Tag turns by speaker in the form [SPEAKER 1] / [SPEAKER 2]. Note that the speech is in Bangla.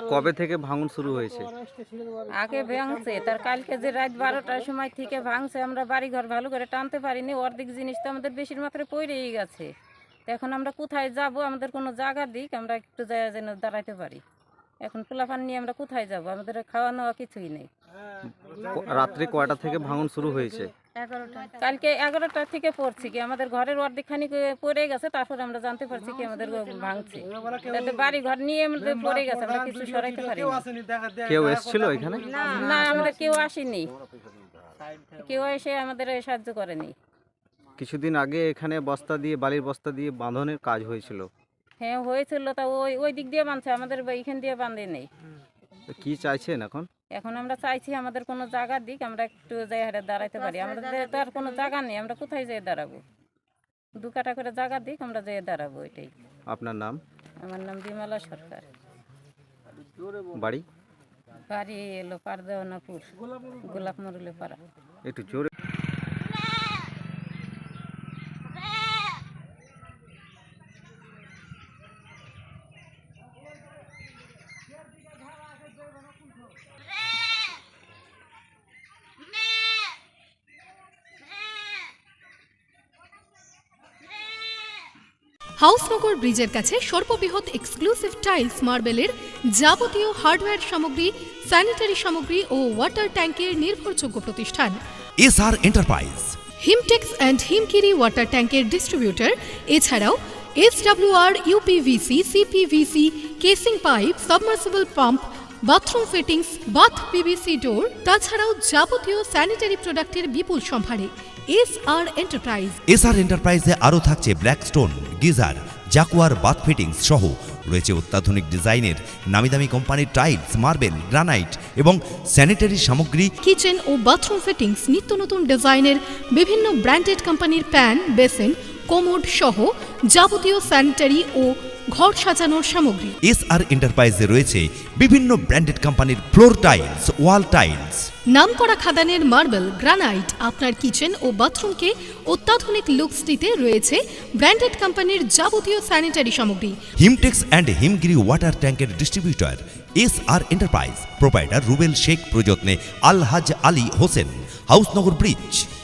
[SPEAKER 1] কবে থেকে ভাঙন শুরু হয়েছে?
[SPEAKER 2] আগে ভাঙছে, তার কালকে যে রাত 12টার সময় থেকে ভাঙছে, আমরা বাড়ি ঘর ভালো করে টানতে পারিনি। অর্ধেক জিনিস তো আমাদের বেশির মাত্রায় পড়েই গেছে। তো এখন আমরা কোথায় যাব? আমাদের কোনো জায়গা দিক, আমরা একটু জায়গা যেন দাঁড়াইতে পারি। এখন পোলাপান নিয়ে আমরা কোথায় যাব? আমাদের খাওয়া নেওয়া কিছুই নেই।
[SPEAKER 1] রাত্রে কয়টা থেকে ভাঙন শুরু হয়েছে?
[SPEAKER 2] কালকে 11টা থেকে পড়ছি কি আমাদের ঘরের অর্ধেকখানি পড়ে গেছে, তারপর আমরা জানতে পারছি কি আমাদের ভাঙছে। তাতে বাড়ি ঘর নিয়ে আমাদের পড়ে গেছে, আমরা কিছু সরাইতে পারি
[SPEAKER 1] কেউ এসেছিল এখানে?
[SPEAKER 2] না, আমরা কেউ আসিনি, কেউ এসে আমাদের সাহায্য করেনি।
[SPEAKER 1] কিছুদিন আগে এখানে বালির বস্তা দিয়ে বাঁধনের কাজ হয়েছিল।
[SPEAKER 2] হ্যাঁ হয়েছিল, তা ওই দিক দিয়ে বাঁধছে, আমাদের এইখান দিয়ে বাঁধে নেই।
[SPEAKER 1] তো কি চাইছেন এখন?
[SPEAKER 2] এখন আমরা চাইছি আমাদের কোনো জায়গা দিক, আমরা একটু জায়গাটা দাঁড়াইতে পারি। আমাদের তো আর কোনো জায়গা নেই, আমরা কোথায় যেয়ে দাঁড়াবো? 2 কাঠা করে জায়গা দিক, আমরা যেয়ে দাঁড়াবো, এটাই।
[SPEAKER 1] আপনার নাম?
[SPEAKER 2] আমার নাম বিমলা সরকার।
[SPEAKER 1] বাড়ি?
[SPEAKER 2] বাড়ি এলো পারদেওয়ানাপুর, গোলাপ মরুলে পাড়া।
[SPEAKER 1] একটু জোরে।
[SPEAKER 3] হাউসনগর ব্রিজের কাছে সর্ববৃহৎ এক্সক্লুসিভ টাইলস মার্বেলের যাবতীয় হার্ডওয়্যার সামগ্রী, স্যানিটারি সামগ্রী ও ওয়াটার ট্যাঙ্কের নির্ভরযোগ্য প্রতিষ্ঠান
[SPEAKER 4] SR enterprise.
[SPEAKER 3] Himtex and Himgiri water ট্যাঙ্কের ডিস্ট্রিবিউটর। এছাড়াও SWR, UPVC, CPVC, casing pipe, submersible pump, bathroom fittings, bath PVC door, তাছাড়াও যাবতীয় স্যানিটারি প্রোডাক্টের বিপুল সম্ভারে এসআর এন্টারপ্রাইজ।
[SPEAKER 4] এসআর এন্টারপ্রাইজে আরও থাকছে Blackstone, geyser, Jaquar bath fittings সহ রয়েছে অত্যাধুনিক ডিজাইনের নামিদামি কোম্পানির টাইলস, মার্বেল, গ্রানাইট এবং স্যানিটারি সামগ্রী,
[SPEAKER 3] কিচেন ও বাথরুম ফিটিংস, নিত্য নতুন ডিজাইনের বিভিন্ন ব্র্যান্ডেড কোম্পানির প্যান, বেসিন, কোমোড সহ যাবতীয় স্যানিটারি ও ঘর সাজানোর সামগ্রী।
[SPEAKER 4] এসআর এন্টারপ্রাইজে রয়েছে বিভিন্ন ব্র্যান্ডেড কোম্পানির ফ্লোর টাইলস, ওয়াল টাইলস,
[SPEAKER 3] নামকরা খাদানের মার্বেল, গ্রানাইট। আপনার কিচেন ও বাথরুমকে অত্যাধুনিক লুকস দিতে রয়েছে ব্র্যান্ডেড কোম্পানির যাবতীয় স্যানিটারি সামগ্রী।
[SPEAKER 4] হিমটেক্স অ্যান্ড হিমগিরি ওয়াটার ট্যাঙ্কের distributor SR enterprise. Proprietor Rubel Sheikh, প্রযত্নে আলহাজ আলী হোসেন, হাউসনগর ব্রিজ।